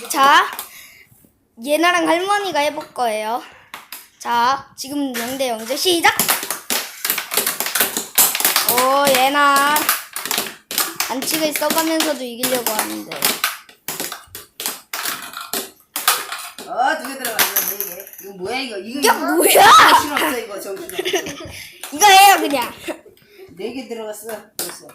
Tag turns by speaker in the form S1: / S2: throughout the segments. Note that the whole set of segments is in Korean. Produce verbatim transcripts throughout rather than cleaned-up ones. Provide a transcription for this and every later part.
S1: 자, 예나랑 할머니가 해볼 거예요. 자, 지금 영 대 영제 시작! 오, 예나. 반칙을 써가면서도 이기려고 하는데.
S2: 어, 두 개 들어갔네, 네 개. 이거 뭐야, 이거? 이거,
S1: 이게
S2: 이거?
S1: 뭐야?
S2: 정신 없어, 이거, 정신 없어.
S1: 이거 해요, 그냥.
S2: 네 개 들어갔어. 됐어.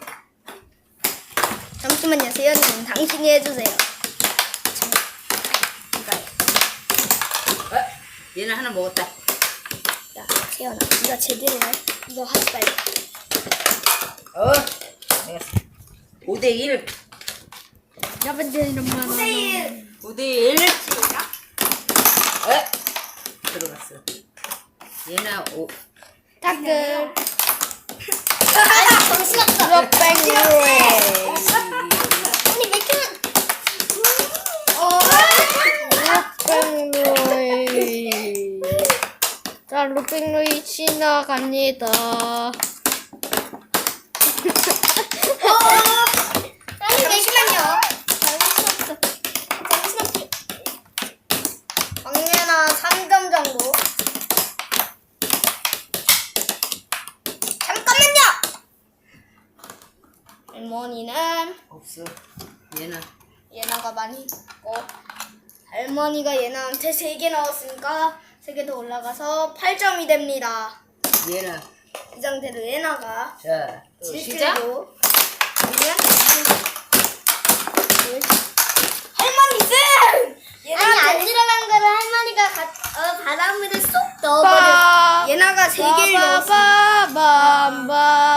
S1: 잠시만요, 세연님. 당신이 해주세요. 참, 이거.
S2: 어? 얘는 하나 먹었다.
S1: 야, 세연아. 네가 제대로 해. 너 하지 말고.
S2: 어? 알겠어. 오 대 일.
S1: 여러분들, 오 대 일.
S2: 오 대 일. 어? 들어갔어. 얘는 오.
S1: 타글.
S3: 정신없어.
S1: 루팽루이.
S3: 언니 맥주는
S1: 루팽루이. 자, 루팽루이 지나갑니다.
S3: 아니 잠시만요. 정신없어. 정신없지.
S1: 박예나 삼 점 정도.
S3: 잠깐만요.
S1: 할머니는
S2: 없어. 얘는.
S1: 예나가 많이 있고, 할머니가 예나한테 세 개 넣었으니까 세 개 더 올라가서 팔 점이 됩니다.
S2: 얘는.
S1: 이 상태로 예나가
S2: 자, 또 시작.
S1: 질주로 아니면 할머니 쌤!
S3: 아니 안 들어간 거를 할머니가 가, 어, 바닷물에 쏙 넣어버려.
S1: 예나가 세 개를 넣었어.
S2: 뭐야?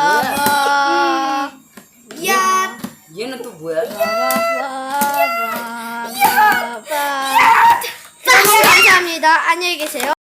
S1: 야,
S2: 얘는 또 뭐야?
S1: 감사합니다. 안녕히 계세요.